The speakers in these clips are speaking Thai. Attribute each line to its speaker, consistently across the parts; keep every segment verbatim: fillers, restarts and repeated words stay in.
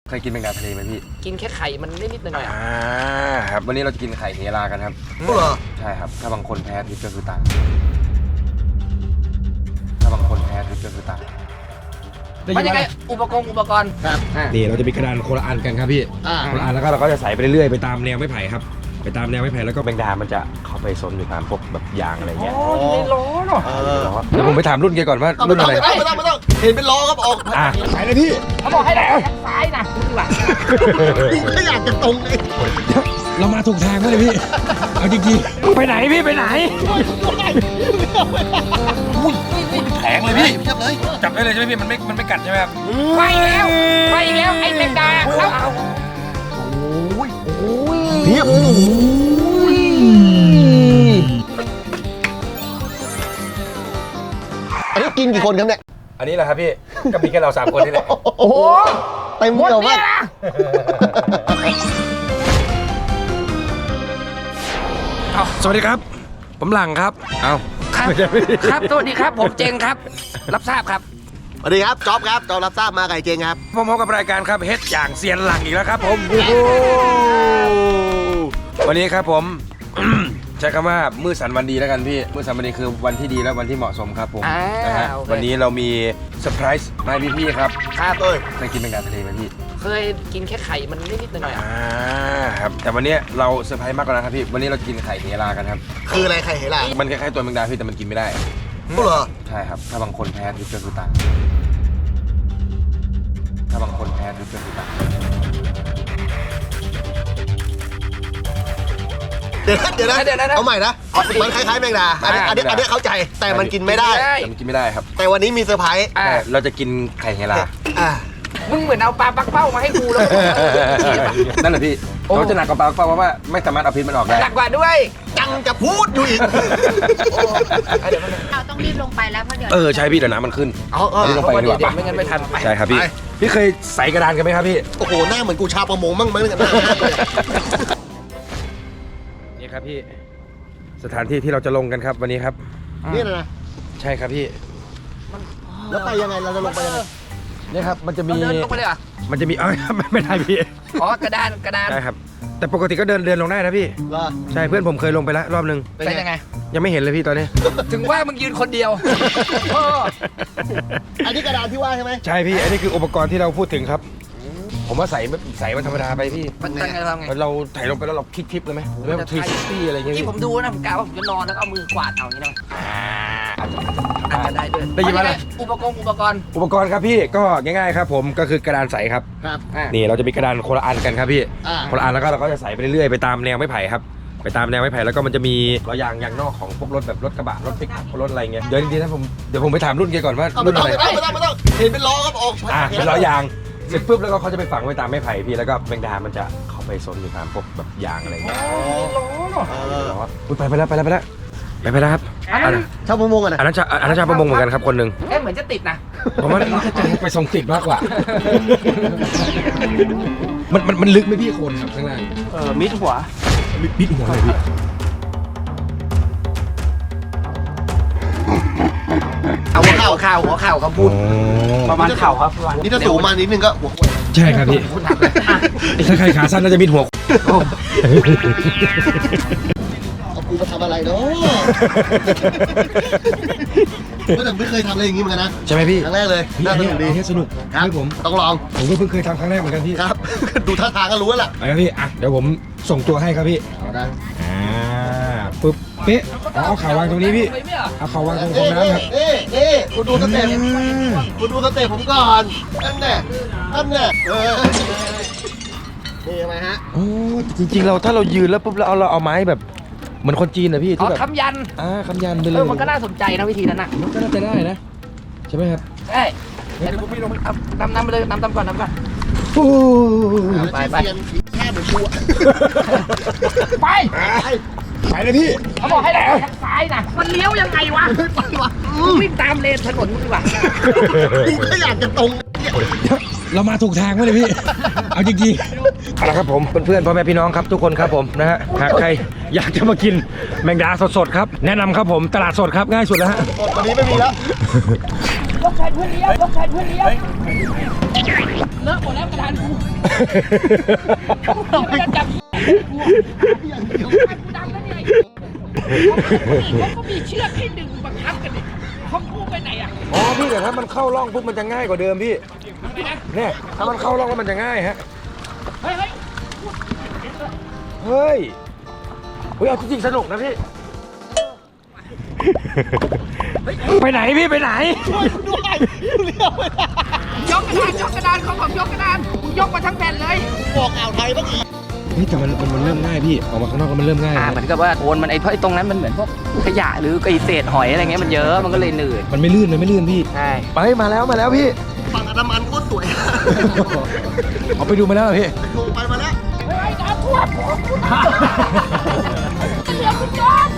Speaker 1: เคยกินแมงดาทะเลไหมพี่
Speaker 2: กินแค่ไข่มันนิดๆหน่อยๆอ่ะ
Speaker 1: ครับวันนี้เราจะกินไข่เฮรากันครับเหรอใช่ครับถ้าบางคนแพ้พิษก็คือตายถ้าบางคนแพ้พิษก็คือตาย
Speaker 2: มันยังไงอุปกรณ์อุปกรณ์ครับ
Speaker 3: นี่เราจะมีกระดานคนละอันกันครับพี่คนละอันแล้วก็เราก็จะใส่ไปเรื่อยๆไปตามแนวไม้ไผ่ครับไปตามแนวไม้ไผ่แล้วก็แมงดามันจะเข้าไปซนอยู่ตามพวกแบบยางอะไรเงี้ย
Speaker 2: อ๋ออยู่ในล้อเนาะ
Speaker 1: เดี๋ยวผมไปถามรุ่นแกก่อนว่ารุ่นอะไร
Speaker 4: ไม่ต้องไม่ต้องเห็นเป็นล้อครับออก
Speaker 3: อ่ะใส่เลยพี่
Speaker 2: เขาบอกให้แหลกซ้ายนะดีกว่า
Speaker 4: กูก็อยากจะตรงเลย
Speaker 3: เรามาถูกทางเลยพี่เอาจริงๆไปไหนพี่ไปไหน
Speaker 1: แข็งเลยพี่จับได้เลยใช่ไหมพี่มันไม่มันไม่กัดใช่ไหมครับ
Speaker 2: ไปแล้วไปแล้วไอ้แมงดาเอาเอา
Speaker 4: โอ้ยโอ้ยเพียบอันนี้กินกี่คนครับเนี่ย
Speaker 1: อันนี้แหละครับพี่ก็มีแค่เราสามคนนี่แหละ
Speaker 2: โอ้โห
Speaker 4: เต็มเดียวมาก
Speaker 3: สวัสดีครับผมหลังครับเอา
Speaker 2: ครับครับสวัสดีครับผมเจงครับรับทราบครับ
Speaker 4: สวัสดีครับจ๊อบครับจ๊อบรับทราบมาไก่เจงครับ
Speaker 3: ผมพบกับรายการครับเฮ็ดอย่างเซียนหลังอีกแล้วครับผมวันนี้ครับผมใช้คำว่ามื้อสันวันดีแล้วกันพี่มื้อสันวันดีคือวันที่ดีและวันที่เหมาะสมครับผมนะฮะวันนี้เรามีเซอร์ไพรส์มาให้พี่ๆครับ
Speaker 2: ครับเอ้ย
Speaker 1: เคยกินแมงดาทะเลไหมพี่
Speaker 2: เคยกินแค่ไข่มันนิดๆหน่อยๆอ่ะ
Speaker 1: ครับแต่วันนี้เราเซอร์ไพรส์มากกว่านั้นครับพี่วันนี้เรากินไข่เฮรากันครับ
Speaker 4: คืออะไรไข่เฮรา
Speaker 1: มันคล้ายๆตัวแมงดาพี่แต่มันกินไม่ได้
Speaker 4: เหรอ
Speaker 1: ใช่ครับถ้าบางคนแพ้พิษก็คือตายถ้าบางคนแพ้พิษก็คือตาย
Speaker 4: เดี๋ยวเดี๋ยวนะเอาใหม่นะมันคล้ายๆแมงดาอันนี้อันนี้อันนี้เข้าใจแต่มันกินไม่ได้
Speaker 1: แต่มันกินไม่ได้ครับ
Speaker 4: แต่วันนี้มีเซอร์ไพรส์
Speaker 1: เราจะกินไข่เฮรา
Speaker 2: มึงเหมือนเอาปลาปักเป้ามาให้กูแล้ว
Speaker 1: นั่นแหละพี่เขาจะหนักกว่าปลาปักเป้าเพราะว่าไม่สามารถเอาพิษมันออกได้
Speaker 2: หนักกว่าด้วย
Speaker 4: จังจะพูดอยู่อีก
Speaker 5: เราต้องรีบลงไปแล้วเพราะเดี๋ยว
Speaker 1: เออใช่พี่เดี๋ยวน้ำมันขึ้น
Speaker 2: อ๋อ
Speaker 1: รีบลงไปดีกว่า
Speaker 2: ไม่งั้นไม่ทัน
Speaker 1: ใช่ครับพี่พี่เคยใส่กระดานกันไหมครับพี่
Speaker 4: โอ้โหหน้าเหมือนกูชาประมงมั่งมั้งกัน
Speaker 1: นี่ครับพี่สถานที่ที่เราจะลงกันครับวันนี้ครับ
Speaker 4: นี่นะ
Speaker 1: ใช่ครับพี่
Speaker 4: แล้วไปยังไงเราจะลงไปยังไง
Speaker 1: นี่ครับมันจะมี
Speaker 2: เดินลงไปเลยอ่ะ
Speaker 1: มันจะมีเอ้ยไม่ได้พี่
Speaker 2: อ๋อกระดานกระดาน
Speaker 1: ใช่ครับแต่ปกติก็เดินเดินลงได้นะพี่ใช่เพื่อนผมเคยลงไปแล้วรอบนึง
Speaker 2: เป็นยังไง
Speaker 1: ยังไม่เห็นเลยพี่ตอนนี้
Speaker 2: ถึงว่ามึงยืนคนเดียว
Speaker 4: อันนี้กระดานที่ว่าใช่ไหม
Speaker 1: ใช่พี่อันนี้คืออุปกรณ์ที่เราพูดถึงครับผมว่าใส่ใส่มันธรรมดาไปพี่
Speaker 2: มันตั้งไงทำไง
Speaker 1: เราถ่ายลงไปแล้วเราคลิกคลิปเลยไหมแล้วทรีซิตี้อะไรอย่างเงี้ย
Speaker 2: ที่ผมดูนะผมกะว่าผมจะนอนแล้วเอามือกวาดเอาอย่างนี้นะอาจจะได้ด้วย
Speaker 1: ได้ยินไหม
Speaker 2: อุปกรณ์อุปกรณ์
Speaker 1: อุปกรณ์ครับพี่ก็ง่ายๆครับผมก็คือกระดานใสครับ
Speaker 4: ครับ
Speaker 1: นี่เราจะมีกระดานคนละอันกันครับพี่คนละอันแล้วก็เราก็จะใส่ไปเรื่อยๆไปตามแนวไม้ไผ่ครับไปตามแนวไม้ไผ่แล้วก็มันจะมีล้อยางยางนอกของพวกรถแบบรถกระบะรถปิกอัพรถอะไรเงี้ยเดี๋ยวจริงๆนะผมเดี๋ยวผมไปถามรุ่นแกก่อนว่ารุ่นอะไร
Speaker 4: ไม่ต้องไม่ต้องไม่ต้องเห็นเป็นล้อครับออก
Speaker 1: อ่าเป็นล้อยางเสร็จปุ๊บแล้วก็เขาจะไปฝังไว้ตามไม้ไผ่พี่แล้วก็แมงดามันจะเข้าไปซนอยู่ตามพวกแบบยางอะไรเงี้ยไปไปแล้วไปแล้วไปแล้วไปไปแล้วครับ
Speaker 4: ชาวประมงอ่ะนะ
Speaker 1: อันนั้นชาอันนั้นชาวประมงเหมือนกันครับคนหนึ่ง
Speaker 2: เอ๊ะเหมือนจะติดนะ
Speaker 1: ผมว่าน่าจะไปส่งติดมากกว่ามันมันมันลึกไหมพี่คนครับข้างล่าง
Speaker 2: เออมิดหัว
Speaker 1: มิดหัวเลยพี่
Speaker 2: เอาหัวเข่าเข่าหัวเข่าเขาพูดประมาณเข่าครับ
Speaker 4: นี่ถ้าสูงมานิดนึงก็หัว
Speaker 1: ใช่ครับพี่ถ้าใครขาสั้นน่าจะมิดหัว
Speaker 4: เอากูมาทำอะไรเนาะก็แต่ไม่เคยทำอะไรอย่างนี้เหมือนกันนะ
Speaker 1: ใช่ไหมพี่
Speaker 4: ครั้งแรกเลยน่าสนุกดี
Speaker 1: สนุก
Speaker 4: ครับ
Speaker 1: ผม
Speaker 4: ต้องลอง
Speaker 1: ผมก็เพิ่งเคยทำครั้งแรกเหมือนกันพี่
Speaker 4: ครับดูท่าทางก็รู้แล้วล่ะ
Speaker 1: ไปครับพี่อ่ะเดี๋ยวผมส่งตัวให้ครับพี่
Speaker 4: ได้
Speaker 1: อ่าปึ๊บเป๊ะเอาข่าววางตรงนี้พี่เอาข่าววางตรงตรงน้ำครับ
Speaker 4: เอ๊ะเอ๊ะคุณดูสเต็ปคุณดูสเต็ปผมก่อนนั่นแน่นั่นแน่เออนี่ไหมฮะ
Speaker 1: โอ้จริงๆเราถ้าเรายืนแล้วปุ๊บแล้วเอาเราเอาไม้แบบเหมือนคนจีนนะพี่ที่แบบ
Speaker 2: คำยัน
Speaker 1: อ่าคำยันไปเลย
Speaker 2: เออมันก็น่าสนใจนะวิธีนั้นน่ะ
Speaker 1: มันก็น่าจะได้นะใช่ไหมครับ
Speaker 2: ใช่เดี๋ยวพวกพี่ลงเอานำนำไปเลยนำนำก่อนนำก่อนไปไป
Speaker 4: แค่เหมือนกู
Speaker 2: ไป
Speaker 1: ไปเลยพี่
Speaker 2: เขาบอกให้แหลกทางซ้ายนะมันเลี้ยวยังไงวะ
Speaker 4: ไปวะ
Speaker 2: วิ่งตามเลนถนนดีกว่า
Speaker 4: กูก็อยากจะตรง
Speaker 3: เรามาถูกทางไหมเลยพี่เอาจริง
Speaker 1: ๆเอาละครับผมเพื่อนๆพ่อแม่พี่น้องครับทุกคนครับผมนะฮะหากใครอยากจะมากินแมงดาสดๆครับแนะนำครับผมตลาดสดครับง่ายสุดแล้วฮะ
Speaker 4: วันนี้ไม่มีแล้ว
Speaker 2: ยกแขนเพื่อนเลี้ยวยกแขนเพื่อนเลี้ยวเลอะหมดแล้วกระดานกูเราไม่จับกูกูดำแล้วเนี่ยเขาก็มีเชือกให้ดึงบังคับกันดิเขาพูดไปไหนอ่ะ
Speaker 1: อ๋อพี่แต่ถ้ามันเข้าร่องปุ๊บมันจะง่ายกว่าเดิมพี่เนี่ยถ้ามันเข้าร่องแล้วมันจะง่ายฮะ
Speaker 2: เฮ้ยเฮ้ย
Speaker 1: เฮ้ยเฮ้ยเอาจริงๆสนุกนะพี่ไปไหนพี่ไปไหน
Speaker 2: ยกกระดานยกกระดานเขาบอกยกกระดานมึงยกมาทั้งแผ่นเลย
Speaker 4: บอกอ่าวไทยบ้างอีก
Speaker 1: เฮ้ยแต่มันมันเริ่มง่ายพี่ออกมาข้างนอกแล้วมันเริ่มง่าย
Speaker 2: อ่าเหมือนกับว่าโอนมันไอ้เพราะไอ้ตรงนั้นมันเหมือนพวกขยะหรือไอ้เศษหอยอะไรเงี้ยมันเยอะมันก็เลยหนืด
Speaker 1: มันไม่ลื่นมันไม่ลื่นพี่
Speaker 2: ใช่
Speaker 1: ไปมาแล้วมาแล้วพี่
Speaker 4: ฝั่งอันดามันโคตรสวย
Speaker 1: เอาไปดูมาแล้วเหรอพี่
Speaker 4: ลงไปมาแล้ว
Speaker 2: เฮ้ยน้ำท่วมผมเหลือคุณจอม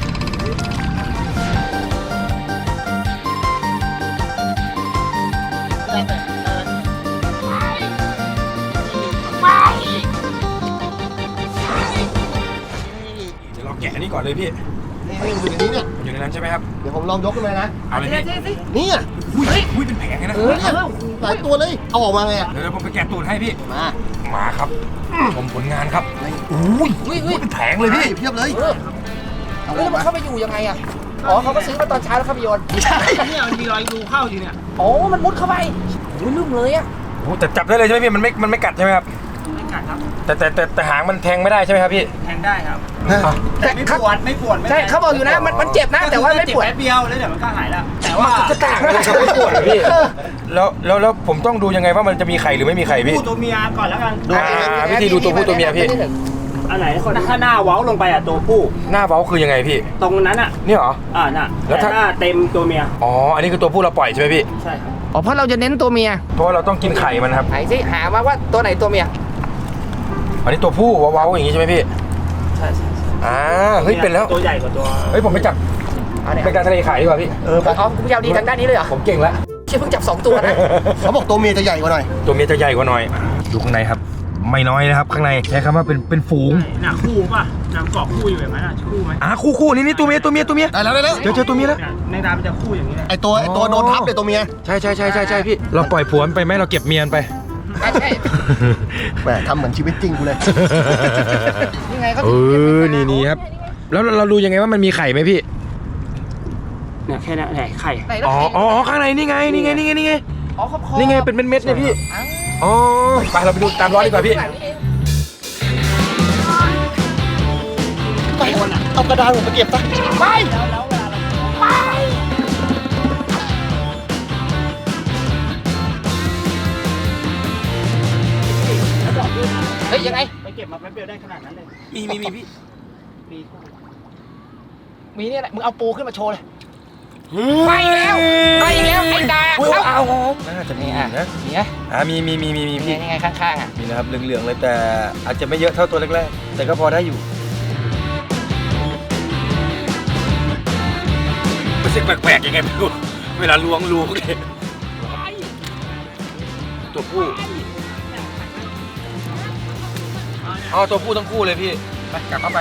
Speaker 1: เดี๋ยวเราแกะนี่ก่อนเลยพี่
Speaker 4: นี่อยู่ในนี้เนี่ย
Speaker 1: มันอยู่ในนั้นใช่ไหมครับ
Speaker 4: เดี๋ยวผมลองยกขึ้นมานะ
Speaker 1: เอาเลยพี่
Speaker 4: นี่อ่ะ
Speaker 1: อุ้ยอุ้ยเป็นแผงเลยนะ
Speaker 4: เออเนี่ยหลายตัวเลย เอาออกมาไงอ่ะ
Speaker 1: เดี๋ยวผมไปแกะตูดให้พี่
Speaker 4: มา
Speaker 1: มาครับผมผลงานครับอุ้ยอุ้ยเป็นแผงเลยพี่
Speaker 4: เพียบเลย
Speaker 2: เออแล้วมันเข้าไปอยู่ยังไงอ่ะอ๋อเขาก็ซื้อมาตอนเช้าแล้วเข้าไปโยนไม่ใช่
Speaker 5: เนี่ยมันมีรอยรูเข้าอยู่เนี่ย
Speaker 2: โอ้มันมุดเข้าไปโอ้ยลืมเลยอ่ะ
Speaker 1: โอ้แต่จับได้เลยใช่ไหมพี่มันไม่มันไม่กัดใช่ไหมครับ
Speaker 5: ไม่กัดครับ
Speaker 1: แต่แต่แต่แต่หางมันแทงไม่ได้ใช่ไหมครับพี่
Speaker 5: แทงได้ครับ
Speaker 1: อ่ะ
Speaker 5: แต่ไม่ปวดไม่ปวดไม่
Speaker 2: ใช่เขาบอกอยู่นะมันมันเจ็บนะแต่ว่าไม่ปวด
Speaker 5: เจ็บแป๊บเดียวแล้วเดี๋ยวมันก็หายแล้ว แต่ว่า
Speaker 1: จะต่างอะไรครับไม่ปวดเหรอพี่แล้วแล้วแล้วผมต้องดูยังไงว่ามันจะมีไข่หรือไม่มีไข่พี่
Speaker 5: คู่ตัวเมียก่อนแล้วกัน
Speaker 1: อ่าวิธีดูตัวผู้ตัวเมียพี่
Speaker 5: อันไหนถ้าหน้าเว้าลงไปอ่ะตัวผู้
Speaker 1: หน้าเว้าคือยังไงพี่
Speaker 5: ตรงนั้นอ่ะ
Speaker 1: นี่เหรอ
Speaker 5: อ่าน่ะ
Speaker 1: แล้ว
Speaker 5: แต่
Speaker 1: ถ้า
Speaker 5: หน้าเต็มตัวเมีย
Speaker 1: อ๋ออันนี้คือตัวผู้เราปล่อยใช่ไหมพี่
Speaker 5: ใช่ครับ
Speaker 2: อ๋อเพราะเราจะเน้นตัวเมีย
Speaker 1: เพราะว่าเราต้องกินไข่มันครับ
Speaker 2: ไหนสิหามาว่าตัวไหนตัวเมีย
Speaker 1: อันนี้ตัวผู้เว้าๆอย่างงี้ใช่ไหมพี่
Speaker 5: ใช่ใช่
Speaker 1: อ่าเฮ้ยเป็นแล้ว
Speaker 5: ตัวใหญ่กว่าตัว
Speaker 1: เฮ้ยผมไปจับ
Speaker 2: เอาเนี่ย
Speaker 1: เป็นการทะเลขายดีกว่าพี่
Speaker 2: เอออ๋อคุณผู้ชมดีทางด้านนี้เลยเหรอ
Speaker 1: ผมเก่งแล้ว
Speaker 2: เชี่ยเพิ่งจับสองตัวนะ
Speaker 4: เขาบอกตัวเมียจะใหญ่กว่าหน่อย
Speaker 1: ตัวเมียจะใหญ่กว่าหน่อยดูข้างในครับ ไม่น้อยนะครับข้างในใช้คำว่าเป็นเป็นฝูง
Speaker 5: น่ะคู่ป่ะน้ำเกาะคู่อยู่แบบนั้นอ่ะคู่ไหม
Speaker 1: อ่าคู่คู่นี่นี่ตัวเมียตัวเมียตัวเมีย
Speaker 4: ได้แล้วได้แล้ว
Speaker 1: เจอเจอตัวเมียแล้ว
Speaker 5: เนี่ยในน้ำมันจะคู่อย่างนี้แหละ
Speaker 4: ไอตัวไอตัวโดนทับเนี่ยตัวเมีย
Speaker 1: ใช่ใช่ใช่ใช่ใช่พี่เราปล่อยผัวมันไปไหมเราเก็บเมียมันไป
Speaker 2: ใช่ใช่
Speaker 4: แหมทำเหมือนชีวิตจริงกูเลย
Speaker 2: ยังไงก็
Speaker 1: เออนี่นี่ครับแล้วเรารู้ยังไงว่ามันมีไข่ไหมพี่
Speaker 5: เนี่ยแค่นั้นแหละไข่
Speaker 2: ไหนแล้ว
Speaker 1: อ๋อ
Speaker 2: ใคร
Speaker 1: อ๋อข้างในนี่ไงนี่ไงนี่ไงนี่ไง
Speaker 2: อ๋อขอบคอ
Speaker 1: นี่ไงเป็นเม็ดๆเนี่ยพี่
Speaker 2: อ้าว
Speaker 1: อ๋อไปเราไปดูตามร้อนดีกว่าพี่
Speaker 4: ไปเอากระดานผมไปเก็บซะ
Speaker 2: ไปไปเฮ้ยยังไง
Speaker 5: ไปเก็บมาแป๊บเดียวได้ขนาดนั้นเลย
Speaker 1: มีมีมีพี่
Speaker 5: มีคู่
Speaker 2: มีเนี่ยแหละมึงเอาปูขึ้นมาโชว์เลยไปแล้วไปแล้วไอ้ดา
Speaker 1: อุ้ย
Speaker 2: เข้า
Speaker 1: เอาเอาน่าจะมี
Speaker 2: นี่อ่ะ
Speaker 1: นะ
Speaker 2: นี่ไง
Speaker 1: อ่ามีมีมีมีมี
Speaker 2: นี่
Speaker 1: พี่
Speaker 2: ไงข้างๆอ่ะ
Speaker 1: มีนะครับเหลืองๆเลยแต่อาจจะไม่เยอะเท่าตัวแรกๆแต่ก็พอได้อยู่มันเสียงแปลกๆยังไงไม่รู้เวลาล้วงรูเลยตัวผู้อ๋อตัวผู้ทั้งคู่เลยพี่ไปกลับเข้าไป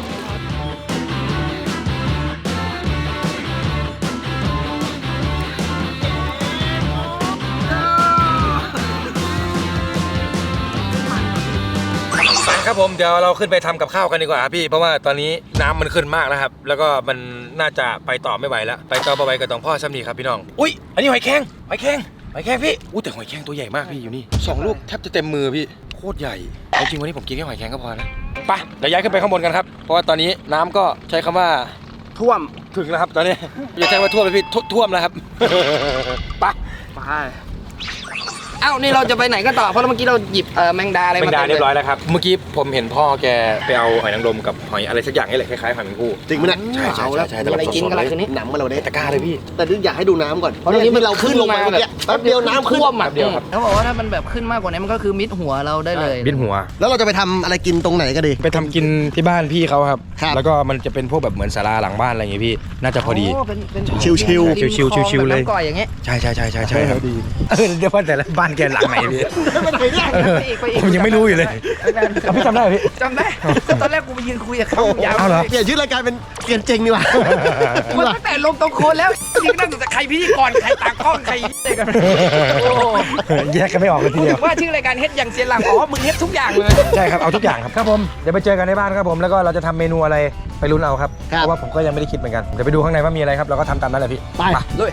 Speaker 1: ครับผมเดี๋ยวเราขึ้นไปทำกับข้าวกันดีกว่าครับพี่เพราะว่าตอนนี้น้ำมันขึ้นมากแล้วครับแล้วก็มันน่าจะไปต่อไม่ไหวแล้วไปต่อไปกับตองพ่อซ้ำนี่ครับพี่น้องอุ้ยอันนี้หอยแครงหอยแครงหอยแครงพี่อู้แต่หอยแครงตัวใหญ่มากพี่อยู่นี่สองลูกแทบจะเต็มมือพี่โคตรใหญ่เอาจริงวันนี้ผมกินแค่หอยแครงก็พอนะไปเดี๋ยวย้ายขึ้นไปข้างบนกันครับเพราะว่าตอนนี้น้ำก็ใช้คำว่า
Speaker 5: ท่วม
Speaker 1: ถึงแล้วครับตอนนี้อย่าใช้ว่าท่วมเลยพี่ท่วท่วมแล้วครับ ไป
Speaker 5: ไป
Speaker 2: เอ้านี่เราจะไปไหนกันต่อเพราะเมื่อกี้เราหยิบเอ่อแมงดาอะไร
Speaker 1: เป็น
Speaker 2: มา
Speaker 1: ดา
Speaker 2: ต็มล
Speaker 1: เรียบร้อยแล้วครับเมื่อกี้ผมเห็นพ่อแกไปเอาหอยนางรมกับหอยอะไรสักอย่างนี่แหละคล้ายๆหอยแมงภู่
Speaker 4: จริงไหมเนี่ย
Speaker 1: ใช่ใช่
Speaker 2: เอาแล้ว
Speaker 1: ใช่
Speaker 2: มีอะไรกินกันล่ะคืนนี้
Speaker 4: หนำมาเราได้
Speaker 1: ตะกร้าเลยพี่
Speaker 4: แต่นี่อยากให้ดูน้ำก่อน
Speaker 2: เพราะตรงนี้มัน
Speaker 4: เราขึ้นลงมา
Speaker 2: ขึ้นมา
Speaker 4: เมื่อกี้แป๊บเดียวน้ำขึ้น
Speaker 2: ท่วมอ่ะ
Speaker 1: แป๊บเดียวครับ
Speaker 2: เขาบอกว่าถ้ามันแบบขึ้นมากกว่านี้มันก็คือมิดหัวเราได้เลย
Speaker 1: บินหัว
Speaker 4: แล้วเราจะไปทำอะไรกินตรงไหนก็ดี
Speaker 1: ไปทำกินที่บ้านพี่เขาครับ
Speaker 4: ครับ
Speaker 1: แล้วก็มันจะเป็นพวกแบบเหมือนศาลาหลังบ้านอะไรอย่างเงี้ยพี่ น่าจะพอดี
Speaker 2: เป็นเป็น
Speaker 4: ชิวๆ
Speaker 1: ชิวๆชิวๆเลย
Speaker 2: ริมคลองแบบน้ำก่อยอย่างเงี้ย
Speaker 1: ใช่ใช่ใช่ใช่ใช่ครับดีเออเดี๋ยวว่าแต่ละบ้านแกหลังไหนพี่
Speaker 4: ไปไหนเนี่ย
Speaker 1: ผมยังไม่รู้อยู่เลยเอาพี่จำได้เหรอพี่
Speaker 2: จำได้ตอนแรกกูไปยืนคุยกับเขายาว
Speaker 1: เอาเหรอ
Speaker 4: เปลี่ยนชื่อรายการเป็นเกียนเจงดีกว่า
Speaker 2: มันตั้งแต่ลงตรงโคนแล้วยิงนั่งอยู่แต่ใครพิธีกรใครตากล้องใครอะไรกันโอ้
Speaker 1: แยกกันไม่ออกเลยทีเดียว
Speaker 2: ว่าชื่อรายการเฮ็ดอย่างเซียนหลังอ๋อมึงเฮ็ดทุกอย่างเลย
Speaker 1: ใช่ครับ เอาทุกอย่างครับครับผมเดี๋ยวไปเจอกันในบ้านครับผมแล้วก็เราจะทำเมนูอะไรไปลุ้นเอาครับ
Speaker 4: ครับ
Speaker 1: เพราะว่าผมก็ยังไม่ได้คิดเหมือนกันเดี๋ยวไปดูข้างในว่ามีอะไรครับเราก็ทำตามนั้นแหละพี่
Speaker 4: ไป
Speaker 2: เลย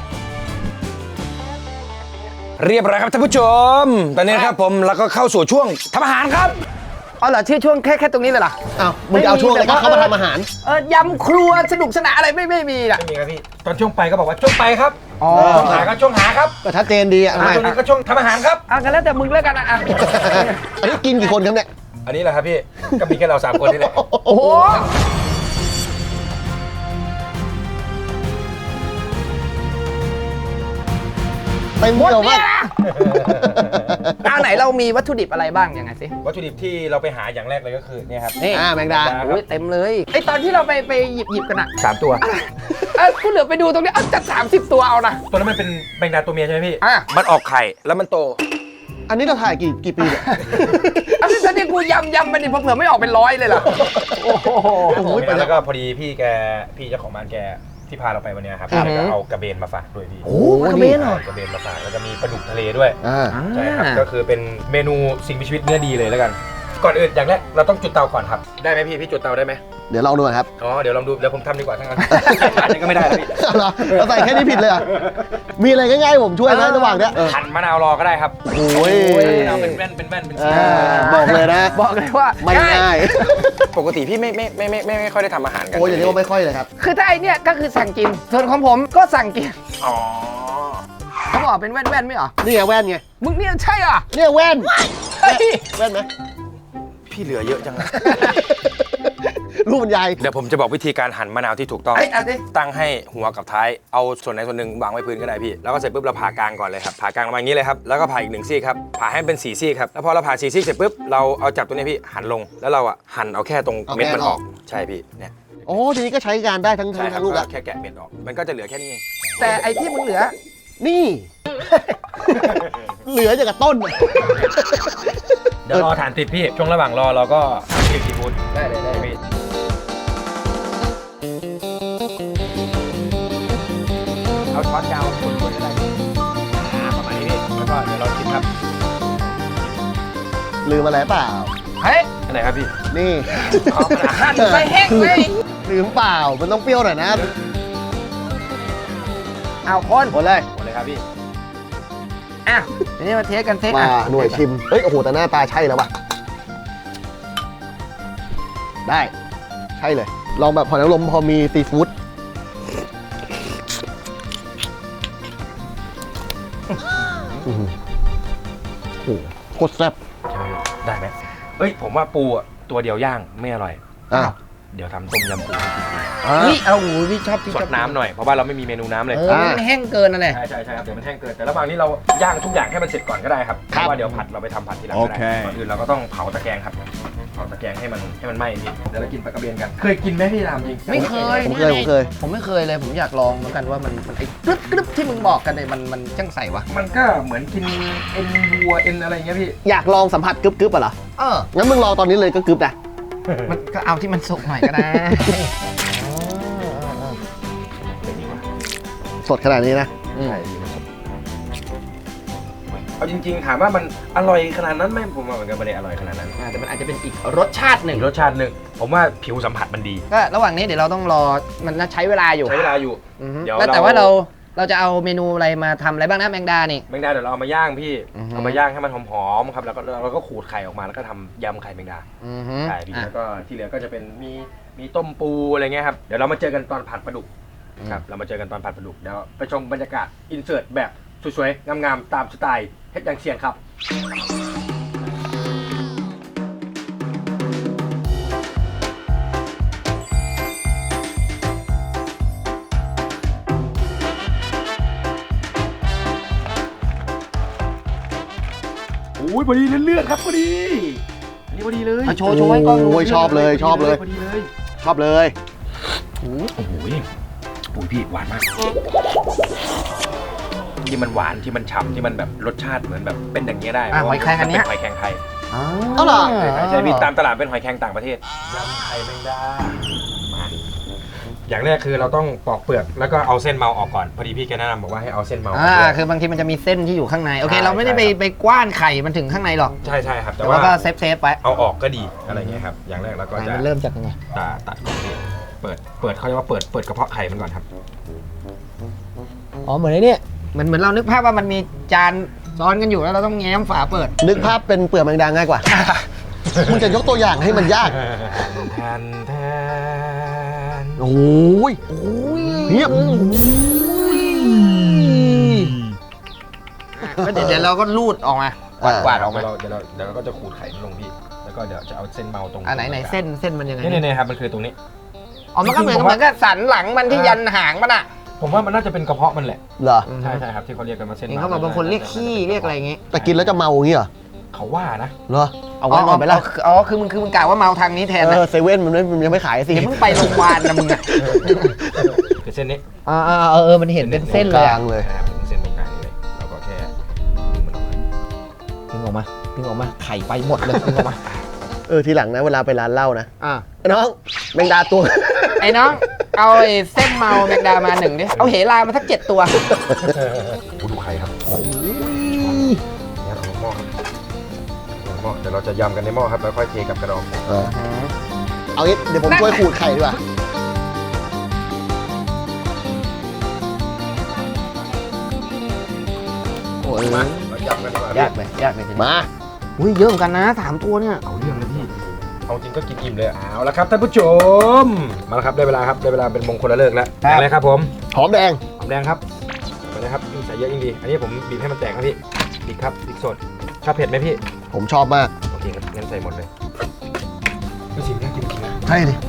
Speaker 1: เรียบร้อยครับท่านผู้ชมตอนนี้นะครับผมแล้วก็เข้าสู่ช่วงทำอาหารครับ
Speaker 2: เอาเหรอชื่อช่วงแค่แค่ตรงนี้เลยเหรอ
Speaker 4: อ้าวมึงจะเอาช่วงอะไรก็เข้ามาทำอาหาร
Speaker 2: เออยำครัวสนุกสนานอะไรไม่ไม่มีอ่ะ
Speaker 1: ไม่มีครับพี่ตอนช่วงไปก็บอกว่าช่วงไปครับ
Speaker 2: อ๋อ
Speaker 1: ช่วงหาก็ช่วงหาครับ
Speaker 4: ก็ชัดเจนดีอ่ะทำไม
Speaker 1: ช่วงนี้ก็ช่วงทำอาหารครับ
Speaker 2: เอากันแล้วแต่มึงแล้วกันนะอ่ะ
Speaker 4: อันนี้กินกี่คนครับเนี่ย
Speaker 1: อันนี้แหละครับพี่ก็มีแค่เราสามคนนี่แหละ
Speaker 2: โอ้โห
Speaker 4: เต็ม
Speaker 2: หมด
Speaker 4: เดียว
Speaker 2: เนี่
Speaker 4: มาย ก
Speaker 2: นะเอาไหนเรามีวัตถุดิบอะไรบ้างยังไงสิ
Speaker 1: วัตถุดิบที่เราไปหาอย่างแรกเลยก็คือเนี่ยครับ
Speaker 2: นี่
Speaker 4: อ่าแมงดา
Speaker 1: ครับ
Speaker 2: โอ้ยเต็มเลยไอตอนที่เราไปไปหยิบหยิบกันอะ
Speaker 1: สามตัว
Speaker 2: เออกูเหลือไปดูตรงนี้เอาจัดสามสิบตัวเอานะ
Speaker 1: ตัวนั้นมันเป็นแมงดาตัวเมียใช่ไหมพี่
Speaker 2: อ่ะ
Speaker 1: มันออกไข่แล้วมันโต
Speaker 4: อันนี้เราถ่ายกี่กี่ปีเนี่ย
Speaker 2: อันนี้ตอนนี้กูยำยำมันนี่เผื่อไม่ออกเป็นร้อยเลยเหรอโอ้โห
Speaker 1: โอ้ยแล้วก็พอดีพี่แกพี่เจ้าของบ้านแกที่พาเราไปวันเนี้ยครับ
Speaker 2: ครับ
Speaker 1: แล้วก็เอากระเบนมาฝากด้วยพี่
Speaker 2: โอ้กระเบนเหรอ
Speaker 1: กระเบนมาฝากแล้วก็มีปลาดุกทะเลด้วย
Speaker 4: อ่า
Speaker 1: ใช่ครับก็คือเป็นเมนูสิ่งมีชีวิตเนื้อดีเลยแล้วกัน ก่อนอื่นอย่างแรกเราต้องจุดเตาก่อนครับได้ไหมพี่พี่จุดเตาได้ไหม
Speaker 4: เดี๋ยวลองดูก่อนครับ
Speaker 1: อ๋อเดี๋ยวลองดูเดี๋ยวผมทำดีกว่าทั้งนั้นอันนี้ก็ไม่ได้แล้วพี่
Speaker 4: เอาเหรอเราใส่แค่นี้ผิดเลยเหรอ่ะมีอะไรง่ายๆผมช่วยไหมระหว่างเนี้ยเออ
Speaker 1: หั่นมะนาวรอก็ได้ครับ
Speaker 4: โอ้ย
Speaker 1: มะนาวเป็นแว่นเป็นแว่นเป็น
Speaker 4: อ่าบอกเลยนะ
Speaker 2: บอกเลยว่า
Speaker 4: ไม่ง่าย
Speaker 1: ปกติพี่ไม่ไม่ไม่ไม่ไม่ไม่ค่อยได้ทำอาหารกัน
Speaker 4: โอ้ยอย่างนี้ว่าไม่ค่อยเลยครับ
Speaker 2: คือถ้าไอเนี่ยก็คือสั่งกินส่วนของผมก็สั่งกิน
Speaker 1: อ๋อ
Speaker 2: เขาบอกเป็นแว่นแว่นๆไม่เหรอ
Speaker 4: นี่ไงแว่นไง
Speaker 2: มึงเนี่ยใช่เหรอ
Speaker 4: เนี่ยแว่น
Speaker 2: เฮ้ย
Speaker 4: แว่นไหม
Speaker 1: พี่เหลือเยอะจังเลย
Speaker 4: รูปบรรยาย
Speaker 1: เดี๋ยวผมจะบอกวิธีการหั่นมะนาวที่ถูกต้อง
Speaker 2: เอ้ยเอาดิ
Speaker 1: ตั้งให้หัวกับท้าย เอาส่วนไหนส่วนหนึ่งวางไว้พื้นก็ได้พี่ แล้วก็เสร็จปุ๊บเราผ่ากลางก่อนเลยครับ ผ่ากลางมาอย่างนี้เลยครับ แล้วก็ผ่าอีกหนึ่งซี่ครับ ผ่าให้เป็นสี่ซี่ครับ แล้วพอเราผ่าสี่ซี่เสร็จปุ๊บ เราเอาจับตัวนี้พี่หั่นลง แล้วเราอ่ะหั่นเอาแค่ตรง
Speaker 4: เอา
Speaker 1: เม็ดมัน
Speaker 4: แค่
Speaker 1: อ
Speaker 4: อ
Speaker 1: อ
Speaker 4: อก ก
Speaker 1: ใช่พี่ เนี่ย
Speaker 4: โอ้ทีนี้ก็ใช้การได้ทั้งทั้
Speaker 1: ใช่
Speaker 4: ง
Speaker 1: ครั
Speaker 4: ทั้
Speaker 1: บ
Speaker 4: งลูก
Speaker 1: ก็
Speaker 4: อะ
Speaker 1: แค่แกะเม็ดออก มันก็จะเหลือแค่นี้เอง
Speaker 2: แต่ไอที่มึงเหลือ
Speaker 4: นี่ เหลือจากกับต้นอะ
Speaker 1: เดี๋ยวรอฐานติดพี่ ช่วงระหว่างรอเราก็ทำซีฟู้ด
Speaker 2: ได้เลยได้
Speaker 1: พี่เอาช้อนยาวคนๆก็ได้อ่าประมาณนี้พี่ แล้วก็เดี๋ยวเราชิมครับ
Speaker 4: ลืมอะไรเปล่า
Speaker 2: เฮ้ย
Speaker 1: อันไหนครับพี่
Speaker 4: นี่
Speaker 1: อ๋อมันอาหาร
Speaker 2: หั่นไปแห้งเลย
Speaker 4: ลืมเปล่า มันต้องเปรี้ยวหน่อยนะ
Speaker 2: เอาคน
Speaker 4: หมดเลย
Speaker 1: หมดเลยครับพี่
Speaker 2: อ่ะทีนี้มาเทสกันเทส
Speaker 4: มา
Speaker 2: อ่ะ
Speaker 4: หน่วยชิม เฮ้ย โอ้โห แต่หน้าตาใช่แล้วว่ะ ได้ ใช่เลย ลองแบบหอยนางรมพอมีซีฟู้ดอื้อหือโอ้โหโคตรแซ่บ
Speaker 1: ได้ไหมเอ้ย ผมว่าปูอ่ะตัวเดียวย่างไม่อร่อย
Speaker 4: อ่ะ
Speaker 1: เดี๋ยวทำต้มยำปูให้กินดี
Speaker 4: อ่ะ
Speaker 2: นี่เอาหูพี่ชอบพี่
Speaker 1: ส
Speaker 2: ชอ
Speaker 1: ด
Speaker 2: บ
Speaker 1: น้ำหน่อย เพราะว่าเราไม่มีเมนูน้ำเลย
Speaker 2: เออมันแห้งเกินนั่นแหละ
Speaker 1: ใช่ใช่ใช่ครับ เดี๋ยวมันแห้งเกิน แต่ระหว่างนี้เราย่างทุกอย่างให้มันเสร็จก่อนก็ได้ครับ เพราะว่าเดี๋ยวผัดเราไปทำผัดทีหลังก็ได้ ก่อนอื่นเราก็ต้องเผาตะแกรงครับ เผาตะแกรงให้มันให้มันไหม้พี่เดี๋ยวเรากินปลากระเบนกัน เคยกินไหมพี่รามจริง
Speaker 2: ไม่เคย
Speaker 4: ผมเคย ผมเคย
Speaker 2: ผมไม่เคยเลย ผมอยากลองเหมือนกันว่ามันมันไอ้กรึบกรึบที่มึงบอกกันเนี่ยมันมันจังใส่วะ
Speaker 1: มันก็เหมือนกินเอ็นวัวเอ็นอะไรอย่างเงี้ยพี่
Speaker 4: อยากลองสัมผัสกรึบๆอ่ะเหรอ
Speaker 2: เออ
Speaker 4: งั้นมึงลองตอนนี้เลยก็กรึบนะ
Speaker 2: มันก็เอาที่มันสุกหน่อยก็ได้
Speaker 4: สดขนาดนี้นะ
Speaker 1: ใช่พี่มันสดเอาจริงๆถามว่ามันอร่อยขนาดนั้นไหมผมว่ามันก็ไม่ได้อร่อยขนาดนั้น
Speaker 2: อ่าแต่มันอาจจะเป็นอีกรสชาติหนึ่ง
Speaker 1: อีกรสชาติหนึ่งผมว่าผิวสัมผัสมันดี
Speaker 2: ก็ระหว่างนี้เดี๋ยวเราต้องรอมันน่าใช้เวลาอยู่
Speaker 1: ใช้เวลาอยู่
Speaker 2: อือฮึ
Speaker 1: เดี๋ยว
Speaker 2: แล้วแต่
Speaker 1: เรา
Speaker 2: ว่าเราเราจะเอาเมนูอะไรมาทำอะไรบ้างนะแมงดานี่
Speaker 1: แมงดาเดี๋ยวเราเอามาย่างพี่
Speaker 2: อือฮึ
Speaker 1: เอามาย่างให้มันหอมๆครับแล้วก็เราก็ขูดไข่ออกมาแล้วก็ทำยำไข่แมงดา
Speaker 2: อือฮึ
Speaker 1: ใช่พี่
Speaker 2: อ่ะ
Speaker 1: แล้วก็ที่เหลือก็จะเป็นมีมีต้มปูอะไรเงี้ยครับเดี๋ยวเรามาเจอกันตอนผัดปลาดุก
Speaker 2: อืม
Speaker 1: ครับเรามาเจอกันตอนผัดปลาดุกเดี๋ยวไปชมบรรยากาศอินเสิร์ตแบบสวยๆงามๆตามสไตล์เฮ็ดอย่างเสียงครับโอ้ยพอดีเลือดๆครับพอดีอันนี้พอดีเลย
Speaker 2: เอาโชว์โชว์ให้กล้องดู
Speaker 4: โอ้ยชอบเลยชอบเลย
Speaker 1: พอดีเลย
Speaker 4: ชอบเลย
Speaker 1: โอ้โหโอ้ยพี่หวานมาก
Speaker 3: ที่มันหวานที่มันฉ่ำที่มันแบบรสชาติเหมือนแบบเป็นอย่างเงี้ยได้
Speaker 2: อ่ะหอยแครงอันเนี้ย
Speaker 3: เป็หอยแครงไทย
Speaker 4: เอาเหรอ
Speaker 3: ใช่พี่ตามตลาดเป็นหอยแครงต่างประเทศยำไข่แมงดา
Speaker 1: อย่างแรกคือเราต้องปอกเปลือกแล้วก็เอาเส้นเมาออกก่อนพอดีพี่แกแนะนำบอกว่าให้เอาเส้นเมาออก
Speaker 2: อ่า
Speaker 1: ด้วย
Speaker 2: คือบางทีมันจะมีเส้นที่อยู่ข้างในโอเค
Speaker 1: ใช่
Speaker 2: เราไม่ได้ไป
Speaker 1: ใช่ครับ
Speaker 2: ไปกว้านไข่มันถึงข้างในหรอก
Speaker 1: ใช่ใช่ครับแต่
Speaker 2: แต่
Speaker 1: ว่า
Speaker 2: ว่าก็เซฟเซฟๆไว้
Speaker 1: เอาออกก็ดีอะไรเงี้ยครับอย่างแรกเราก็
Speaker 2: ไข่
Speaker 1: จะ
Speaker 2: มันเริ่มจากยังไง
Speaker 1: ตัดตัดก่อนพี่เปิดเปิดเขาเรียกว่าเปิดเปิดกระเพาะไข่มันก่อนครับ
Speaker 2: อ๋อเหมือนไอ้นี่เหมือนเหมือนเรานึกภาพว่ามันมีจานซ้อนกันอยู่แล้วเราต้องแง้มฝาเปิด
Speaker 4: นึกภาพเป็นเปลือกแมงดาง่ายกว่า มึงจะยกตัวอย่างให้มันยาก
Speaker 1: แทนแทน
Speaker 4: โอ้ยเฮียบ
Speaker 2: ก็เดี๋ยวเดี๋ยวเราก็รูดออกมา
Speaker 1: กวาดออกมาเราเดี๋ยวเราเดี๋ยวเราก็จะขูดไข่มันลงพี่แล้วก็เดี๋ยวจะเอาเส้นเมาตรง
Speaker 2: อ่าไหนไหนเส้นเส้นมันยังไง
Speaker 1: นี่นี่ครับมันคือตรงนี้
Speaker 2: อ๋อมันก็เหมือนเหมือนกับสันหลังมันที่ยันหางมันอ่ะ
Speaker 1: ผมว่ามันน่าจะเป็นกระเพาะมันแหละ
Speaker 4: เหรอ
Speaker 1: ใช่ใช่ครับที่เขาเรียกกันว่าเส้น
Speaker 2: เห็นเขาบอกบางคนเรียกขี้เรียกอะไรอย่างงี้
Speaker 4: แต่กินแล้วจะเมาอย่างงี้เหรอ
Speaker 1: เขาว่านะ
Speaker 4: เหรอ เอาไว้ก่อนไปละ
Speaker 2: อ๋อคือมึงคือมึงกล่าวว่าเมาทางนี้แทน
Speaker 4: เอ
Speaker 2: นะ
Speaker 4: อเซเว่นมันไม่มันยังไม่ขายสิ
Speaker 2: เดี๋ยวมึงไปโรงพยาบาลนะมึงอ่ะ
Speaker 1: คือเส้นนี้
Speaker 2: อ่าเออเออมันเห็นเป็นเส้นเลย
Speaker 4: ก
Speaker 2: อะ
Speaker 4: ลางเลย
Speaker 1: นะครับเป็นเส้นตรงกลางนี่เลยเราก็แค่ดึงมันออกมา
Speaker 2: ดึงออกมาดึงออกมาไข่ไปหมดเลยดึงออกมา
Speaker 4: เออทีหลังนะเวลาไปร้านเหล้านะ
Speaker 2: อ่า
Speaker 4: ไอ้น้องแมงดาตัว
Speaker 2: ไอ้น้องเอาไอ้เส้นเมาแมงดามาหนึ่งดิเอาเหลามาสักเจ็ดตัว
Speaker 1: โอ้ดูไข่ครับโอ้ยเนี่ยของหม้อครับของหม้อเดี๋ยวเราจะยำกันในหม้อครับแล้วค่อยเทกับกระดอง
Speaker 4: เออเอางี้เดี๋ยวผมช่วยขูดไข่ดีกว่า
Speaker 2: โอ้ย
Speaker 1: มาเรายำกันดีกว่าย
Speaker 2: ากเลยยากเลยจริง
Speaker 4: มา
Speaker 2: อุ้ยเยอะเหมือนกันนะสามตัวเนี่ย
Speaker 1: เอาเรื่องนะพี่เอาจริงก็กินอิ่มเลยเอาละครับท่านผู้ชมมาแล้วครับได้เวลาครับได้เวลาเป็นมงคลละเลิกแล้วอย่างไรครับผม
Speaker 4: หอมแดง
Speaker 1: หอมแดงครับไปเลยครับยิ่งใส่เยอะยิ่งดี อันนี้ผมบีบให้มันแตกครับพี่บีบครับพริกสดชอบเผ็ดไหมพี่
Speaker 4: ผมชอบมาก
Speaker 1: โอเคครับงั้นใส่หมดเลยก็สีน่ากินจริงนะ
Speaker 4: ใช่ดิ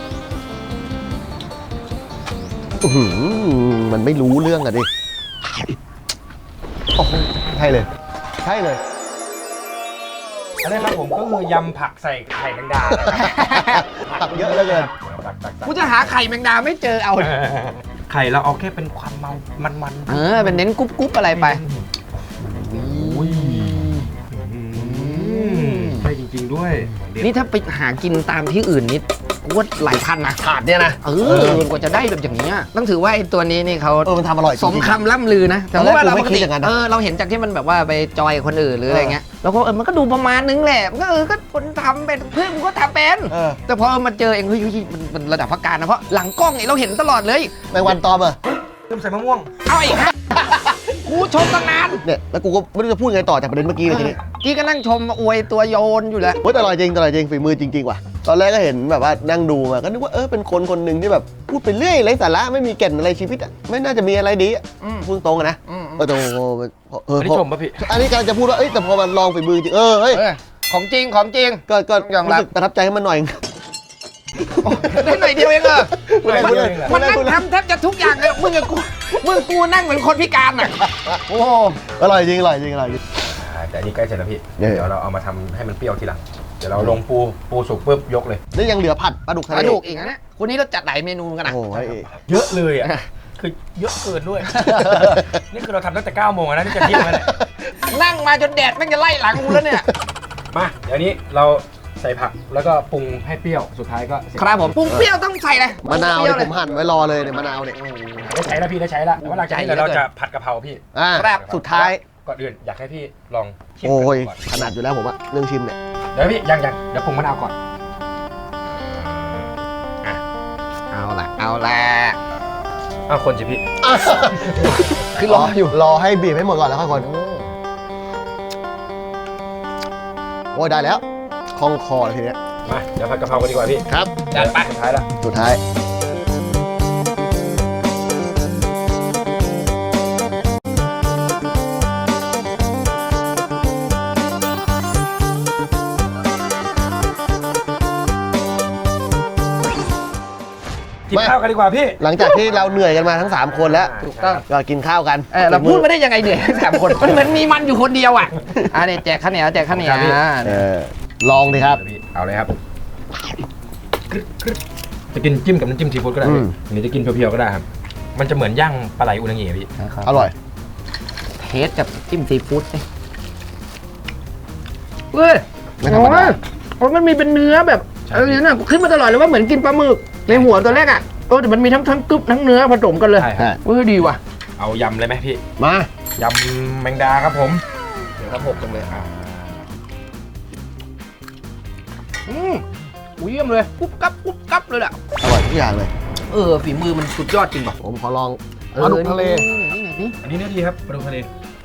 Speaker 4: อื้อหือมันไม่รู้เรื่องอะดิโอ้โหใช่เลย ใช่เลย
Speaker 1: อันนี้ครับผมก็คือยำผักใส่ไข่แมงดา
Speaker 4: ผักเยอะเหลือเกิน
Speaker 1: ตักตักตัก
Speaker 2: กูจะหาไข่แมงดาไม่เจอเอา
Speaker 1: ไข่เราเอาแค่เป็นความเมามันๆ
Speaker 2: เออเป็นเน้นกรุ๊บกรุ๊บอะไรไป
Speaker 1: อุ้ยใช่จริงๆด้วย
Speaker 2: นี่ถ้าไปหากินตามที่อื่นนี่กูว่าหลายพันนะ
Speaker 4: ถาดเนี่ยนะ
Speaker 2: เออกว่าจะได้แบบอย่างนี้ยต้องถือว่าไอ้ตัวนี้นี่เขา
Speaker 4: เออมันทำอร่อยจ
Speaker 2: ส
Speaker 4: ริ
Speaker 2: ม
Speaker 4: งๆ
Speaker 2: คำล่ำลือนะ
Speaker 4: ตอนแรก
Speaker 2: ว่าเรา
Speaker 4: กูไม่
Speaker 2: ปก
Speaker 4: คิด
Speaker 2: ติ
Speaker 4: อย่างนั้นนะ
Speaker 2: เออเราเห็นจากที่มันแบบว่าไปจอยคนอื่นหรืออะไรเงี้ยแล้วก็เออมันก็ดูประมาณนึงแหละมันก็เออก็คนทำเป็นเพื่อนมึงก็ทำเป็น
Speaker 4: เออ
Speaker 2: แต่พอมาเจอเองเฮ้ยเฮ้ยมันมันระดับพักการนะเพราะหลังกล้องเนี่ยเราเห็นตลอดเลย
Speaker 4: แมงวันตอมอะ
Speaker 1: เริ่มใส่มะม่วง
Speaker 2: เอาอีกฮะกูชมตั้งนาน
Speaker 4: เนี่ยแล้วกูก็ไม่รู้จะพูดไงต่อจากประเด็นเมื่อกี้เลยทีนี้
Speaker 2: กี้ก็นั่งชมอวยตัวโยนอยู่แล้ว
Speaker 4: เฮ้ยแต่อร่อยจริงแต่อร่อยจริงฝีมือจริงๆว่ะตอนแรกก็เห็นแบบว่านั่งดูมาก็นึกว่าเออเป็นคนคนหนึ่งที่แบบพูดไปเรื่อยไร้สาระไม่มีแก่นอะไรชีวิตอะไม่น่าจะมีอะไรดีอะ
Speaker 2: อืม
Speaker 4: พูดตรงอะนะ
Speaker 2: อืม
Speaker 4: เออแต่โอ้โหเออ
Speaker 1: อันนี้
Speaker 4: พอ
Speaker 1: ชมป่ะพี่
Speaker 4: อันนี้กำลังจะพูดว่าเอ้ยแต่พอมันลองฝีมือจริงเออเฮ้ย
Speaker 2: เออของจริงของจริง
Speaker 4: ก็ก็
Speaker 2: ยอมรับ
Speaker 4: รู้สึกประทับใจให้มันหน่อย
Speaker 2: ได้หน่อยเดียวเองเหรอ
Speaker 4: พูดเลยพูดเลย
Speaker 2: มันนั่ง
Speaker 4: พูดเลย
Speaker 2: ทำแทบจะทุกอย่างเลยมึงกับกูมึงกูนั่งเหมือนคนพิการอ่ะโอ้โห
Speaker 4: อร่อยจริงอร่อยจริงอร่อยจริง
Speaker 1: อ่าแต่อันนี้ใกล้เสร็จแล้วพี่
Speaker 4: เนี่ย
Speaker 1: เดี๋ยวเราเอามาทำให้มันเปรี้ยวทีหลังเดี๋ยวเราลงปูปูสุกปุ๊บยกเลย
Speaker 4: นี่ยังเหลือผัดปลาดุกทะ
Speaker 2: ก
Speaker 4: เล
Speaker 2: ระดูกอีกนะเนี่ยคนนี้เราจัดหลายเมนูกันนะ
Speaker 4: โอ้โห
Speaker 1: เยอะเลยอ่ะคือเยอะเกินด้วย นี่คือเราทำตั้งแต่เก้าโมงแล้วนะนี่จะเที่ยงแล้วเนี่ย
Speaker 2: นั่งมาจนแดดแม่งจะไล่หลังกูแล้วเนี่ย
Speaker 1: มาเดี๋ยวนี้เราใส่ผักแล้วก็ปรุงให้เปรี้ยวสุดท้ายก็เสร็จ
Speaker 2: ครับผมปรุงเปรี้ยวต้องใส่เลย
Speaker 4: มะนาว
Speaker 2: ปรุ
Speaker 4: เนี่ย
Speaker 2: ง
Speaker 4: ผ
Speaker 2: เปรี้ย
Speaker 4: มหั่นไว้รอเลยเนี่ยมะนาวเนี่ย
Speaker 1: ได้ใช้แล้วพี่ได้ใช้แล้วแต่ว่าหลังจากนี้เดี๋ยวเราจะผัดกะเพราพี่
Speaker 4: อ่า
Speaker 2: ครับ
Speaker 4: สุดท้าย
Speaker 1: ก่อนอื่นอยากให้พี่ลองชิม
Speaker 4: โอ้ย
Speaker 1: ก่อน
Speaker 4: ขนาดอยู่แล้วผมอะเรื่องชิมเนี่ย
Speaker 1: เดี๋ยวพี่ยังยังเดี๋ยวปรุงมะนาวก่อน
Speaker 2: เอาละเอาละ
Speaker 1: อ้าวคนสิพี่
Speaker 2: คือรออยู่
Speaker 4: รอให้บีบให้หมดก่อนแล้วค่อยคนโอ้ยได้แล้วคล่องคอเลยทีเนี้ย
Speaker 1: มาเดี๋ยวผัดกะเพรากันดีกว่าพี่
Speaker 4: ครับ
Speaker 1: จัดไปสุดท้ายละ
Speaker 4: สุดท้าย
Speaker 1: กินข้าวกันดีกว่าพี่
Speaker 4: หลังจากที่เราเหนื่อยกันมาทั้งสามคนแล้ว
Speaker 2: ถูกต้อง
Speaker 4: ก็กินข้าวกัน
Speaker 2: เออเราพูดไม่ได้ยังไงเหนื่อยทั้งสามคนมันเหมือนมีมันอยู่คนเดียวอ่ะอ่ะเนี่ยแจกข้าวเหนียวแจกข้าวเหนียว
Speaker 1: ครับพี่
Speaker 4: เออลองดิครับ
Speaker 1: เดี๋ยวพี่เอาเลยครับจะกินจิ้มกับน้ำจิ้มซีฟู้ดก็ได้
Speaker 4: อื
Speaker 1: พี่
Speaker 4: ม
Speaker 1: หรือจะกินเพียวๆก็ได้ครับมันจะเหมือนย่างปลาไหลอุนางิอะพี่
Speaker 4: อร่อย
Speaker 2: เทสกับจิ้มซีฟู้ดสิเว้ย
Speaker 4: ไม่ธรรมดา
Speaker 2: โอ้ยมันมีเป็นเนื้อแบบอะไรเนี่ยนะขึ้นมาตลอดเลยว่าเหมือนกินปลาหมึกในหัวตัวแรกอ่ะเออแต่มันมีทั้งทั้งกึ๊บทั้งเนื้อผสมกันเลย
Speaker 1: ใช่ครับ
Speaker 2: เออดีว่ะ
Speaker 1: เอายำเลยไหมพี่
Speaker 4: มา
Speaker 1: ยำแมงดาครับผม เดี๋ยวครับหกจังเลยอ่ะ
Speaker 2: อืมอุ้ยเยี่ยมเลยกุ๊บกับกุ๊บกับเลยแหละ
Speaker 4: อร่อยทุกอย่างเลย
Speaker 2: เออฝีมือมันสุดยอดจริงป่ะ
Speaker 4: ผมขอลองปลาดุกทะเล
Speaker 2: นี่ไงนี่
Speaker 1: อันนี้เนื้อดีครับปลาดุกทะเล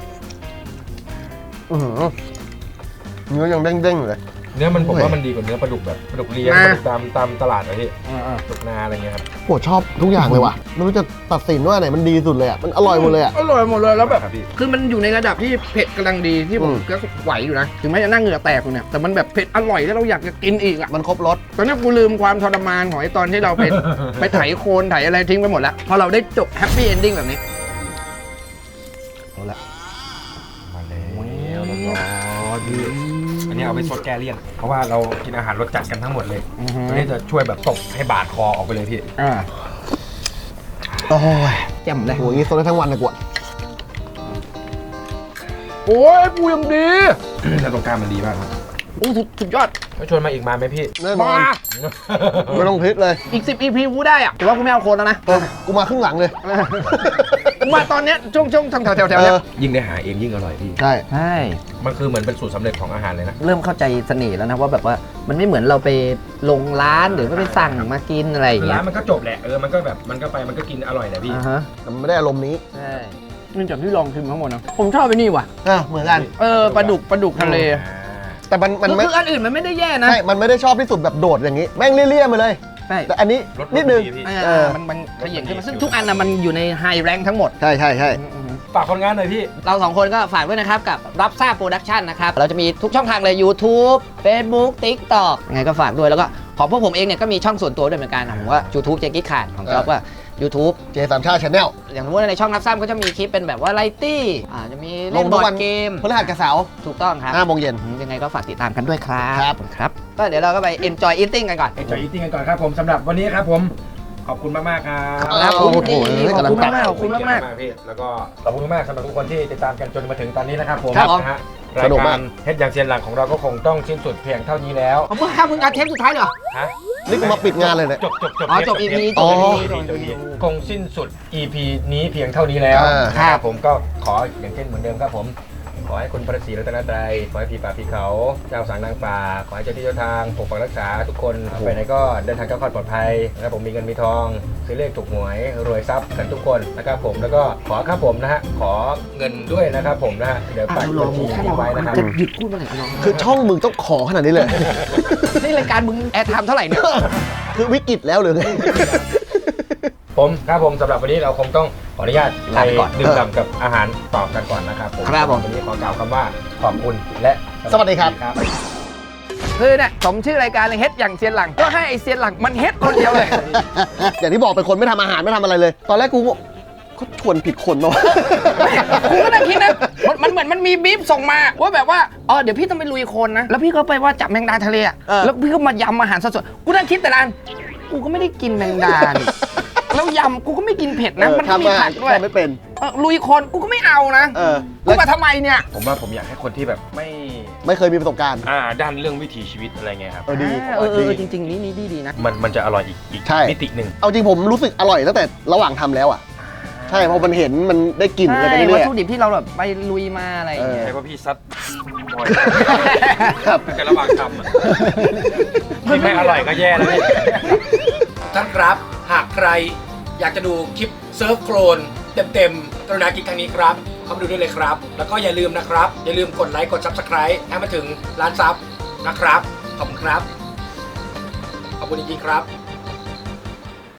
Speaker 4: อื้อหือเนื้อยังเด้งๆอยู่เลย
Speaker 1: เนื้อมันผม
Speaker 4: โอ้ย
Speaker 1: ว่ามันดีกว่าเนื้อปลาดุกแบบปลาดุกเลี้ยงปลาดุกตามตามตลาดนะพี่ปลาดุกนาอะไรเงี้ยครับ
Speaker 4: โหชอบทุกอย่างเลยว่ะไม่รู้จะตัดสินว่าไหนมันดีสุดเลยอ่ะมันอร่อยหมดเลยอ่ะ
Speaker 2: อร่อยหมดเลยแล้วแบบ
Speaker 1: ครับพี่
Speaker 2: คือมันอยู่ในระดับที่เผ็ดกำลังดีที่ผม
Speaker 4: อืม
Speaker 2: ก็ไหวอยู่นะถึงแม้จะนั่งเหงื่อแตกอยู่เนี่ยแต่มันแบบเผ็ดอร่อยแล้วเราอยากจะกินอีกอ่ะ
Speaker 4: มันครบรส
Speaker 2: ตอนนี้กูลืมความทรมานของไอ้ตอนที่เราไป ไปไถโคลนไถอะไรทิ้งไปหมดแล้วพอเราได้จบแฮปปี้เอนดิ้งแบบนี้
Speaker 4: เอาละ
Speaker 1: มาแล้วร้อนๆพี่อันนี้เอาไปซดแก้เลี่ยนเพราะว่าเรากินอาหารรสจัดกันทั้งหมดเลยตัวนี้จะช่วยแบบตบให้บาดคอออกไปเลยพี่
Speaker 2: อ่า
Speaker 4: โอ้ย
Speaker 2: แจ่มเลย
Speaker 4: โหอย่างงี้โซนได้ทั้งวันนะกวด
Speaker 2: โอ้ยปูยังดี
Speaker 1: แล้วตรงกลางมันดีมากครับ
Speaker 2: โอ้สุดสุดยอด
Speaker 1: ก็ชวนมาอีกมาไหมพี่
Speaker 4: แน่นอ
Speaker 2: มาน
Speaker 4: ไม่ต้องพลิกเลย
Speaker 2: อีกสิบ อี พี กูได้อะแต่ว่ากูไม่เอาโคลนแล้วนะ
Speaker 4: เออกูมาครึ่งหลังเลย
Speaker 2: กูมาตอนเนี้ยช่วงช่วงแถวแถวแถวๆเนี้ย
Speaker 4: เออ
Speaker 1: ยิ่งได้หาเองยิ่งอร่อยพี่
Speaker 4: ใช่
Speaker 6: ใช่
Speaker 1: มันคือเหมือนเป็นสูตรสำเร็จของอาหารเลยนะ
Speaker 6: เริ่มเข้าใจเสน่ห์แล้วนะว่าแบบว่ามันไม่เหมือนเราไปลงร้านหรือว่าไปสั่งมากินอะไรอย่าง
Speaker 1: คือ
Speaker 6: เงี้
Speaker 1: ร้าย นมันก็จบแหละ เออ มันก็แบบ มันก็ไป มันก็กินอร่อยแหละพี่
Speaker 6: อ่าฮะ
Speaker 4: แต่มันไม่ได้อารมณ์นี้
Speaker 6: ใช่
Speaker 2: นี่จากที่ลองชิมทั้งหมดนะผมชอบไปนี่ว่ะ
Speaker 4: อ่ะเหมือนกัน
Speaker 2: เออปลาดุกปลาดุกทะเล
Speaker 4: แต่มันมัน
Speaker 2: คือ
Speaker 4: ไม่
Speaker 2: คืออันอื่นมันไม่ได้แย่นะ
Speaker 4: ใช่มันไม่ได้ชอบที่สุดแบบโดดอย่างนี้ แม่งเลี่ยๆมาเลย
Speaker 6: ใช่
Speaker 4: แต่อันนี้
Speaker 1: รส
Speaker 4: นิดนึง
Speaker 1: รสดีพี่
Speaker 2: เอ
Speaker 4: เอ
Speaker 2: อ
Speaker 4: อ
Speaker 2: มันมันขย่งขึ้นมาซึ่งทุกอันนะมันอยู่ในไฮแรงทั้งหมด
Speaker 4: ใช่ใช่ใช่
Speaker 1: ฝากคนงานหน่อยพี่
Speaker 6: เราสองคนก็ฝากด้วยนะครับกับรับทราบโปรดักชันนะครับ เราจะมีทุกช่องทางเลย YouTube Facebook TikTok ยังไงก็ฝากด้วยแล้วก็ของพวกผมเองเนี่ยก็มีช่องส่วนตัวด้วยเหมือนกันผมว่า YouTube เจกิ๊กขาดของจ๊อบว่า YouTube
Speaker 4: เจสามชาติชาแนล
Speaker 6: อย่างสมมติว่าในช่องรับทราบก็จะมีคลิปเป็นแบบว่าไลตี้อ่าจะมี
Speaker 4: ล
Speaker 6: เล่
Speaker 4: ง
Speaker 6: น
Speaker 4: ทุ
Speaker 6: บ
Speaker 4: ก
Speaker 6: อ
Speaker 4: วั
Speaker 6: ร์
Speaker 4: น
Speaker 6: ดเกม
Speaker 4: พฤหัสกับเสาร์
Speaker 6: ถูกต้องครับ
Speaker 4: ห้าโมงเย็น
Speaker 6: ยังไงก็ฝากติดตามกันด้วยครับ
Speaker 4: ครับ
Speaker 6: ครับก็เดี๋ยวเราก็ไป enjoy eating กันก่อน
Speaker 1: เอ็นจอยอีติ้งกันก่อนครับผมสำหรับวันนี้ครับผม ขอบคุณมากมากๆครับ
Speaker 6: ครับ
Speaker 4: โอ้โห
Speaker 6: ขอบคุณมาก
Speaker 2: ขอบคุณมาก
Speaker 1: ๆพี่ แล้วก็ขอบคุณมากสำหรับทุกคนที่ติดตามกันจนมาถึงตอนนี้นะครับผม
Speaker 4: ครับ
Speaker 1: นะฮะ
Speaker 4: ส
Speaker 1: ราย
Speaker 4: นุก
Speaker 1: กาม
Speaker 4: าร ก
Speaker 1: เฮ็ดอย่างเซียนหลังของเราก็คงต้องสิ้นสุดเพียงเท่านี้แล้ว
Speaker 2: เอาเพิ่งข้ามมึงการเทปสุดท้ายเหรอ
Speaker 1: ฮะ
Speaker 4: นี่กูมาปิดงานเลยเนี่ย
Speaker 1: จบจบจบ
Speaker 2: อ๋อจบ อี พี
Speaker 1: จ
Speaker 4: อ๋
Speaker 1: บ
Speaker 4: อ
Speaker 1: อี พีจบ อี พีคงสิ้นสุด อี พี นี้เพียงเท่านี้แล้ว
Speaker 4: อ่า
Speaker 1: ครับผมก็ขออย่างเช่นเหมือนเดิมครับผม ขอให้คุณพระศรีรัตนตรัยขอให้พี่ป่าพี่เขา เจ้าสางนางป่า ขอให้เจ้าที่เจ้าทางปกปักรักษาทุกคนไปไหนก็เดินทางก้าวขอดปลอดภัยนะครับผมมีเงินมีทองซื้อเลขถูกหวยรวยทรัพย์กันทุกคนนะครับผมแล้วก็ขอครับผมนะฮะขอเงินด้วยนะครับผมนะฮะเดี๋ยวฝากบัญชีทิ้งไว้นะครับ
Speaker 6: จะหยุดพูดเมื่อไหร่ก็ลอง
Speaker 4: คือช่องมึงต้องขอขนาดนี้เลย
Speaker 2: นี่รายการมึงแอร์ไทม์เท่าไหร่เนี่ย
Speaker 4: คือวิกฤตแล้วหรือไง
Speaker 1: ผมครับผมสำหรับวันนี้เราคงต้องขออนุญาตไป
Speaker 6: ลาไปก่อน
Speaker 1: ดื่มด่ำกับอาหารต่อกันก่อนนะครับผม
Speaker 6: ครับผม
Speaker 1: วันนี้ขอกล่าวคำว่าขอบคุณและ
Speaker 4: สวัสดีครับ
Speaker 2: คือเนี่ยสมชื่อรายการเลยเฮ็ดอย่างเซียนหลังก็ให้ไอเซียนหลังมันเฮ็ดคนเดียวเลย
Speaker 4: อย่างที่บอกเป็นคนไม่ทำอาหารไม่ทำอะไรเลย ตอนแรกกูก็เขาชวนผิดคนเนาะ
Speaker 2: กูก็นั่งคิดนะมันมันเหมือนมันมีบีฟส่งมาว่าแบบว่าอ๋อเดี๋ยวพี่ต้องไปลุยโคลนนะ แล้วพี่ก็ไปว่าจับแมงดาทะเลอะ
Speaker 4: เออ
Speaker 2: แล้วพี่ก็มายำอาหารสดๆกูนั่งคิดแต่ละอันกูก็ไม่ได้กินแมงดานี่แล้วยำกูก็ไม่กินเผ็ดนะ มันก็มี
Speaker 4: ทำอาหา
Speaker 2: ผั
Speaker 4: ร
Speaker 2: กด้วย
Speaker 4: ทำไม่เป็น
Speaker 2: เออลุยโคลนกูก็ไม่เอานะ
Speaker 4: เออ
Speaker 2: กูมาทำไมเนี่ย
Speaker 1: ผมว่าผมอยากให้คนที่แบบไม่
Speaker 4: ไม่เคยมีประสบการณ์
Speaker 1: อ่าด้านเรื่องวิถีชีวิตอะไรเงี้ยครับ
Speaker 4: เออดี
Speaker 6: เออเออเออ
Speaker 4: ดี
Speaker 6: จริงๆ นี่นี่ดีดีนะ
Speaker 1: มันมันจะอร่อยอีกอีก
Speaker 4: ใช่
Speaker 1: มิติหนึ่ง
Speaker 4: เอาจริงผมรู้สึกอร่อยตั้งแต่ระหว่างทำแล้วอ่ะ ใช่เพราะมันเห็นมันได้กลิ่นอะไร
Speaker 6: ใช่
Speaker 4: ไป
Speaker 6: วัต
Speaker 4: เรื่อย
Speaker 6: ถุดิบที่เราแบบไปลุยมาอะไรอย่างเงี้ย
Speaker 1: ใช่ว่าพี่ซัดบ่อย
Speaker 4: ๆครับ
Speaker 1: แต่ระหว่างทำอะที่ไม่อร่อยก็แย่แล้วพี่
Speaker 7: ท่านครับ หากใครอยากจะดูคลิปเซิร์ฟโคลนเต็มๆกรุณาคลิกทางนี้ครับ เข้ามาดูได้เลยครับ แล้วก็อย่าลืมนะครับ อย่าลืมกดไลค์กด Subscribe ให้มาถึงล้านซับนะครับ ขอบคุณครับ ขอบคุณจริงๆครับ